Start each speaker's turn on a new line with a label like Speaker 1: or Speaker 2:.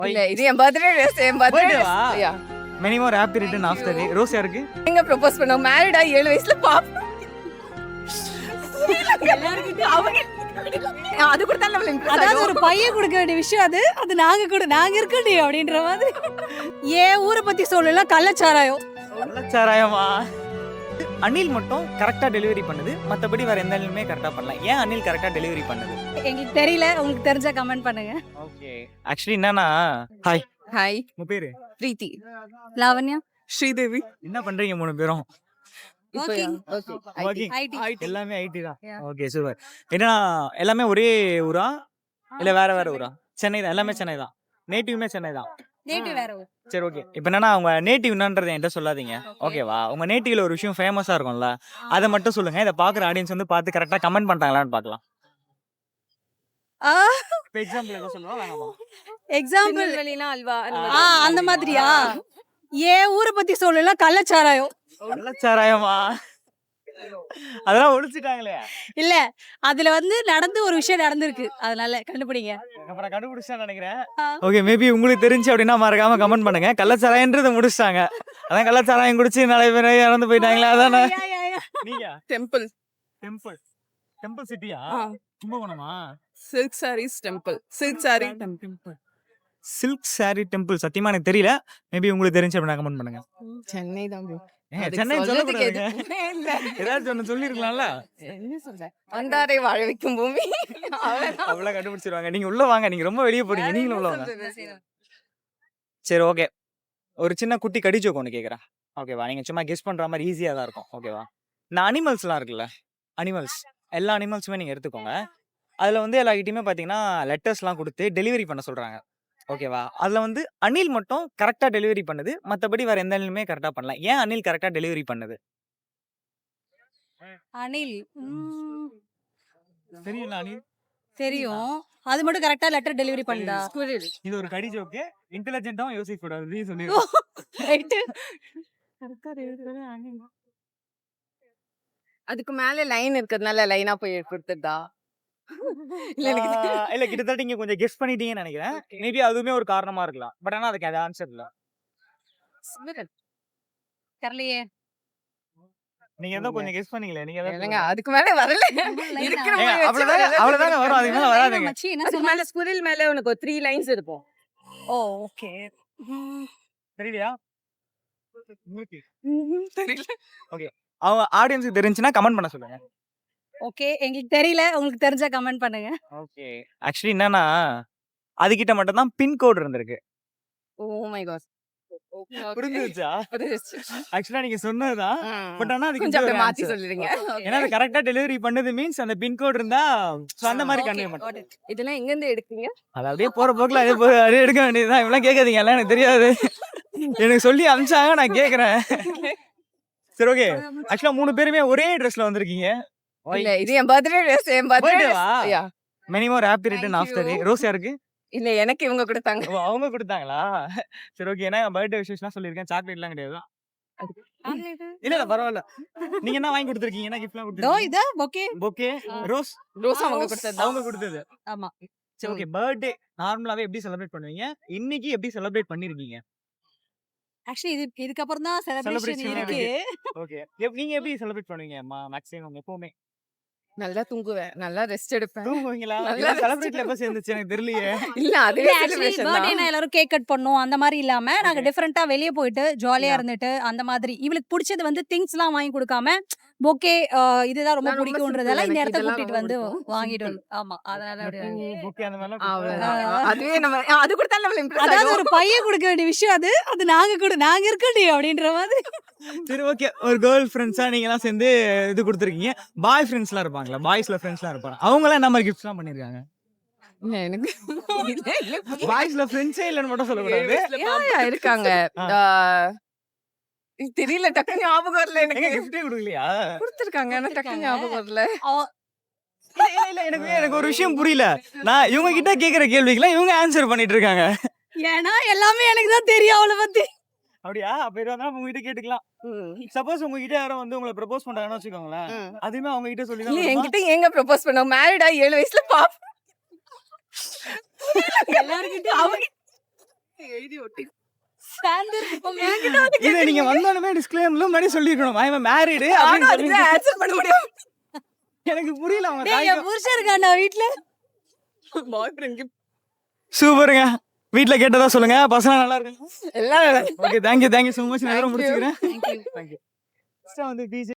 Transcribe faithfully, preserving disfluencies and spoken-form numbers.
Speaker 1: இல்ல இது என் பர்த்டே ட்ரெஸ் என் பர்த்டே
Speaker 2: Birthday-வா?
Speaker 1: Yeah
Speaker 2: many more happy return of the day. Rose யாருக்கு?
Speaker 1: எங்க ப்ரோபோஸ் பண்ணோம் மேரிட் ஆகி ஏழு வயசுல பாப்பா அது கூட தான் நம்மள impress
Speaker 3: அதாவது
Speaker 1: ஆகும்.
Speaker 3: ஒரு பையன் கொடுக்க வேண்டிய விஷயம் அது அது நாங்க கூட நாங்க இருக்கண்டி அப்படின்ற மாதிரி ஏன் ஊரை பத்தி சொல்லலாம் கள்ளச்சாராயம்
Speaker 2: கள்ளச்சாராயமா? அனில் மட்டும் கரெக்டா டெலிவரி பண்ணுது, மத்தபடி வேற எந்த அனிலுமே கரெக்டா பண்ணல. ஏன் அனில் கரெக்டா டெலிவரி பண்ணுது?
Speaker 3: எங்களுக்கு தெரியல உங்களுக்கு தெரிஞ்சா கமெண்ட் பண்ணுங்க.
Speaker 2: ஓகே, ஆக்சுவலி என்னன்னா, ஹாய்,
Speaker 1: ஹாய்
Speaker 2: உங்க பேரு?
Speaker 1: பிரீத்தி
Speaker 3: லாவண்யா
Speaker 1: ஸ்ரீதேவி
Speaker 2: என்ன பண்றீங்க மூணு பேரும்?
Speaker 1: இப்போ
Speaker 3: Working.
Speaker 2: Working.
Speaker 3: ஐடி
Speaker 2: எல்லாமே ஐடி தான்.
Speaker 3: Yeah.
Speaker 2: Okay, super. என்னன்னா எல்லாமே ஒரே ஊரா இல்ல வேற வேற ஊரா? சென்னை தான், எல்லாமே சென்னை தான். நேட்டிவ்மே சென்னை தான்.
Speaker 3: நேட்டிவ் வேற ஊர்.
Speaker 2: சரி, ஓகே. இப்போ என்னன்னா உங்க நேட்டிவ் என்னன்றதை என்கிட்ட சொல்லாதீங்க, ஓகேவா? உங்க நேட்டிவ்ல ஒரு விஷயம் ஃபேமஸா இருக்கும்ல, அதை மட்டும் சொல்லுங்க. இதை பாக்குற ஆடியன்ஸ் வந்து பார்த்து கரெக்டா கமெண்ட் பண்ணிட்டாங்களான்னு பார்க்கலாம்.
Speaker 3: ஆ
Speaker 2: இப்போ எக்ஸாம்பிள் ஏதோ சொல்லுவா வேணாமா?
Speaker 3: எக்ஸாம்பிள்
Speaker 1: திருநெல்வேலினா அல்வா அந்த
Speaker 3: ஆ
Speaker 1: மாதிரி.
Speaker 3: அந்த மாதிரியா ஏன் ஊரை பத்தி சொல்லலாம் கள்ளச்சாராயம்
Speaker 2: கள்ளச்சாராயமா? அதெல்லாம் ஒழிச்சிட்டாங்களே.
Speaker 3: இல்ல அதுல வந்து நடந்து ஒரு விஷயம் நடந்திருக்கு அதனால கண்டுபிடிங்க.
Speaker 2: அப்புறம் கண்டுபிடிச்சேன்னு நினைக்கிறேன்.
Speaker 3: ஆ.
Speaker 2: ஓகே, மேபி உங்களுக்கு தெரிஞ்சு அப்படின்னா மறக்காம கமெண்ட் பண்ணுங்க. கள்ளச்சாராயன்றதை முடிச்சிட்டாங்க. அதான் கள்ளச்சாராயம் குடிச்சு நிறைய பேர் இறந்து போயிட்டாங்களே, அதானே?
Speaker 3: யா, யா, யா.
Speaker 2: நீங்க
Speaker 1: டெம்பிள்
Speaker 2: டெம்பிள் டெம்பிள் சிட்டியா?
Speaker 1: ஆ.
Speaker 2: கும்பகோணமா?
Speaker 1: Silk saris temple silk sari temple
Speaker 2: silk sari temple சத்தியமா எனக்கு தெரியல. மேபி உங்களுக்கு தெரிஞ்சு அப்படின்னா கமெண்ட் பண்ணுங்க.
Speaker 1: சென்னை தான் bro.
Speaker 2: ஏங்க,
Speaker 1: அதுக்கு
Speaker 2: சென்னை
Speaker 1: சொல்றதுக்கு
Speaker 2: சொல்லக்கூடாதுங்க.
Speaker 1: எதுவுமே இல்ல.
Speaker 2: ஏதாச்சும் ஒன்று சொல்லியிருக்கலாம்ல.
Speaker 1: என்ன சொல்ற வந்தாரை வாழ வைக்கும் பூமி அவ்வளவுதான்.
Speaker 2: அவ்வளோ கண்டுபிடிச்சிருவாங்க. நீங்க உள்ள வாங்க, நீங்க ரொம்ப வெளியே போறீங்க, நீங்களும் உள்ள வாங்க. சரி, ஓகே. ஒரு சின்ன குட்டி கடிச்சோக்கு ஒன்று கேட்குறேன், ஓகேவா? நீங்கள் சும்மா கெஸ் பண்ணுற மாதிரி ஈஸியாக தான் இருக்கும், ஓகேவா? இந்த அனிமல்ஸ்லாம் இருக்குல்ல, அனிமல்ஸ் எல்லா அனிமல்ஸுமே நீங்கள் எடுத்துக்கோங்க. அதில் வந்து எல்லார்கிட்டையுமே பார்த்தீங்கன்னா லெட்டர்ஸ்லாம் கொடுத்து டெலிவரி பண்ண சொல்கிறாங்க, ஓகேவா? அதில் வந்து அனில் மட்டும் கரெக்டாக டெலிவரி பண்ணுது, மற்றபடி வேறு எந்த அனிலுமே கரெக்டாக பண்ணல. ஏன் அனில் கரெக்டாக டெலிவரி பண்ணுது?
Speaker 3: அனில் ம்,
Speaker 2: தெரியல அனில்.
Speaker 3: தெரியும் அது மட்டும் கரெக்டா லெட்டர் டெலிவரி பண்ணுதா?
Speaker 2: இது ஒரு கடி ஜோக்கு, இன்டெலிஜென்ட்டாகவும் யோசிக்க கூடாது, நீ சொல்லி.
Speaker 3: ரைட்
Speaker 1: அதுக்கு மேல லைன் இருக்கிறதுனால லைனா போய் கொடுத்துட்டா இல்ல எனக்கு தெரியல.
Speaker 2: இல்ல, கிட்டத்தட்ட நீங்க கொஞ்சம் கெஸ் பண்ணிட்டீங்கன்னு நினைக்கிறேன். மேபி அதுவுமே ஒரு காரணமா இருக்கலாம். பட் ஆனா அதுக்கு அது ஆன்சர் இல்ல.
Speaker 3: தெரியலையே.
Speaker 2: நீங்க ஏதோ கொஞ்சம் கெஸ் பண்ணீங்களே, நீங்க ஏதோ
Speaker 1: இல்லைங்க, அதுக்கு மேல வரல இருக்கிற
Speaker 2: ஏங்க,
Speaker 1: மாதிரி வச்சு
Speaker 2: அவ்வளவுதாங்க
Speaker 1: வரல.
Speaker 2: அவ்வளவுதாங்க வரும், அதுக்கு மேல வராதுங்க.
Speaker 3: மச்சி, என்ன
Speaker 1: அதுக்கு
Speaker 3: சொன்ன?
Speaker 1: மேல ஸ்குரில் மேல உனக்கு ஒரு த்ரீ லைன்ஸ் இருக்கும்.
Speaker 3: Oh okay.
Speaker 2: தெரியலையா?
Speaker 1: தெரியல.
Speaker 2: அவங்க ஆடியன்ஸ்க்கு தெரிஞ்சுனா கமெண்ட் பண்ண சொல்லுங்க.
Speaker 3: ஓகே, எங்களுக்கு தெரியல உங்களுக்கு தெரிஞ்சா கமெண்ட் பண்ணுங்க.
Speaker 2: ஓகே, ஆக்சுவலி என்னன்னா அதுகிட்ட மட்டும் தான் பின் கோட் இருந்திருக்கு.
Speaker 1: Oh my god.
Speaker 2: புரிஞ்சுச்சா? ஆக்சுவலா நீங்க சொன்னதுதான். பட் ஆனா அதுக்கு
Speaker 1: கொஞ்சம்
Speaker 2: இது ஒரு
Speaker 1: அப்படியே மாத்தி
Speaker 2: answer.
Speaker 1: சொல்லிடுங்க.
Speaker 2: ஏன்னா அது கரெக்டா டெலிவரி பண்ணது மீன்ஸ் அந்த பின் கோட் இருந்தா so அந்த மாதிரி
Speaker 3: Okay,
Speaker 2: கன்வே
Speaker 3: got
Speaker 2: பண்ணும்.
Speaker 3: it.
Speaker 1: இதெல்லாம் எங்க இருந்து எடுத்தீங்க?
Speaker 2: அது அப்படியே போற போக்குல அதே போய் அதே எடுக்க வேண்டியதுதான். இவெல்லாம் கேட்காதீங்க, எல்லாம் எனக்கு தெரியாது. எனக்கு சொல்லி அனுப்பிச்சாங்க, நான் கேட்கறேன். சரி, ஓகே. ஆக்சுவலா மூணு பேருமே ஒரே ட்ரெஸ்ல வந்திருக்கீங்க.
Speaker 1: இல்ல இது என் பர்த்டே ட்ரெஸ் என் பர்த்டே
Speaker 2: Birthday-வா?
Speaker 1: Yeah
Speaker 2: many more happy return of the day. Rose யாருக்கு?
Speaker 1: இல்ல எனக்கு இவங்க கொடுத்தாங்க.
Speaker 2: ஓ, அவங்க கொடுத்தாங்களா? சரி, ஓகே. ஏன்னா பர்த்டே விஷயம்லாம் சொல்லியிருக்கேன், சாக்லேட்லாம் கிடையாது. இல்ல இல்ல பரவாயில்ல. நீங்க என்ன வாங்கி கொடுத்துருக்கீங்க? என்ன கிஃப்ட்லாம்
Speaker 3: தோ
Speaker 2: கொடுத்துருக்கீங்க?
Speaker 3: இதா ஓகே.
Speaker 2: பொக்கே, ரோஸ்
Speaker 1: ரோஸ் அவங்க
Speaker 3: ரோஸ்.
Speaker 1: கொடுத்தது.
Speaker 2: அவங்க கொடுத்தது.
Speaker 3: ஆமா.
Speaker 2: சரி, ஓகே. பர்த்டே நார்மலாவே எப்படி செலிப்ரேட் பண்ணுவீங்க? இன்னைக்கு எப்படி செலிப்ரேட் பண்ணிருக்கீங்க?
Speaker 3: ஆக்சுவலி இது இதுக்கு அப்புறம் தான் செலிப்ரேஷன்
Speaker 2: Celebration
Speaker 3: இருக்கு.
Speaker 2: ஓகே. நீங்க எப்படி செலிப்ரேட் பண்ணுவீங்க? மேக்ஸிமம் எப்பவுமே
Speaker 1: நல்லா தூங்குவேன், நல்லா ரெஸ்ட் எடுப்பேன்.
Speaker 2: தூங்குவீங்களா?
Speaker 1: நல்லா
Speaker 2: செலிப்ரேட்ல எப்ப சேர்ந்துச்சு எனக்கு தெரியலையே.
Speaker 1: இல்ல அதுவே
Speaker 3: இல்ல ஆக்சுவலி
Speaker 1: செலிப்ரேஷன்
Speaker 3: பர்த்டேனா
Speaker 1: தான்.
Speaker 3: எல்லாரும் கேக் கட் பண்ணோம் அந்த மாதிரி இல்லாம நாங்க
Speaker 2: Okay.
Speaker 3: டிஃபரெண்டா வெளிய போயிட்டு ஜாலியா
Speaker 1: Yeah.
Speaker 3: இருந்துட்டு அந்த மாதிரி இவளுக்கு பிடிச்சது வந்து திங்ஸ்லாம் வாங்கி கொடுக்காம பொக்கே இதுதான் ரொம்ப
Speaker 1: நான் ரொம்ப
Speaker 3: பிடிக்கும்ன்றதால
Speaker 1: simple,
Speaker 3: இந்த
Speaker 1: எனக்கு
Speaker 3: இடத்த
Speaker 1: இதெல்லாம்
Speaker 3: கூட்டிட்டு
Speaker 1: ரொம்ப
Speaker 3: வந்து
Speaker 1: பிடிக்கும்.
Speaker 3: வாங்கிட்டு
Speaker 1: Simple.
Speaker 3: வந்து ஆமா அதனால அப்படி வாங்கி-
Speaker 2: பொக்கே அந்த மாதிரிலாம்
Speaker 1: அவ்வளவுதான்.
Speaker 3: ஆ.
Speaker 1: அதுவே நம்ம அது கூட தான் நம்மள இம்ப்ரெஸ்
Speaker 3: அதாவது
Speaker 1: ஆகும்.
Speaker 3: ஒரு பையன் கொடுக்க வேண்டிய விஷயம் அது அது நாங்க கூட நாங்க இருக்கண்டி அப்படின்ற மாதிரி.
Speaker 2: சரி, ஓகே. ஒரு கேர்ள் ஃப்ரெண்ட்ஸா நீங்க எல்லாம் சேர்ந்து இது கொடுத்துருக்கீங்க. பாய் ஃப்ரெண்ட்ஸ்லாம் இருப்பாங்களா? பாய்ஸ்ல ஃப்ரெண்ட்ஸ்லாம் இருப்பாங்க. அவங்க எல்லாம் என்ன மாதிரி கிஃப்ட்ஸ்லாம் பண்ணிருக்காங்க?
Speaker 1: இல்ல எனக்கு இல்ல இல்ல
Speaker 2: பாய்ஸ்ல ஃப்ரெண்ட்ஸே இல்லன்னு மட்டும் சொல்லக்கூடாது.
Speaker 1: யா, யா, இருக்காங்க.
Speaker 2: ஆ.
Speaker 1: ஆ, இது தெரியல, டக்குனு ஞாபகம் வரல
Speaker 2: எங்க
Speaker 1: எனக்கு.
Speaker 2: கிஃப்டே கொடுக்கலையா?
Speaker 1: கொடுத்திருக்காங்க ஆனா டக்குனு ஞாபகம் வரல.
Speaker 3: அவ-
Speaker 2: இல்ல, இல்ல, இல்ல, எனக்கு எனக்கு ஒரு விஷயம் புரியல. நான் இவங்க கிட்ட கேக்குற கேள்விக்கெல்லாம் இவங்க ஆன்சர் பண்ணிட்டு இருக்காங்க.
Speaker 3: ஏன்னா எல்லாமே எனக்கு தான் தெரியும் அவளை பத்தி.
Speaker 2: அப்படியா? அப்ப இது வந்து உங்க கிட்ட கேட்டுக்கலாம்.
Speaker 1: ம்.
Speaker 2: சப்போஸ் உங்க கிட்ட யாரும் வந்து உங்களை ப்ரப்போஸ் பண்றாங்கன்னு வச்சுக்கோங்களேன்,
Speaker 1: ம்.
Speaker 2: அதுவுமே அவங்க கிட்ட சொல்லி
Speaker 1: இல்ல
Speaker 2: தான்
Speaker 1: என்கிட்ட ஏங்க ப்ரப்போஸ் பண்ண மேரிட் ஆகி ஏழு வயசுல பாப்பா
Speaker 3: எல்லார்கிட்டயும்
Speaker 1: அவங்க எழுதி ஒட்டி
Speaker 2: இதை நீங்க வந்தாலுமே டிஸ்க்ளைமர்ல முன்னாடி சொல்லிருக்கணும் ஐ எம் மேரிடு அப்படின்னு சொல்லி
Speaker 1: ஆன்சர் பண்ண முடியும்.
Speaker 2: எனக்கு புரியல அவங்க
Speaker 3: டேய், என் புருஷன் இருக்காண்டா வீட்ல.
Speaker 1: பாய் ஃப்ரெண்ட்
Speaker 2: சூப்பருங்க. வீட்ல கேட்டதா சொல்லுங்க. பசங்க நல்லா இருக்காங்க.
Speaker 1: எல்லாம்
Speaker 2: okay, thank you thank you so much. நான்
Speaker 1: Thank you.
Speaker 2: முடிச்சுக்கிறேன்.
Speaker 3: Thank you.
Speaker 2: தேங்க்யூ. வந்து பிஜே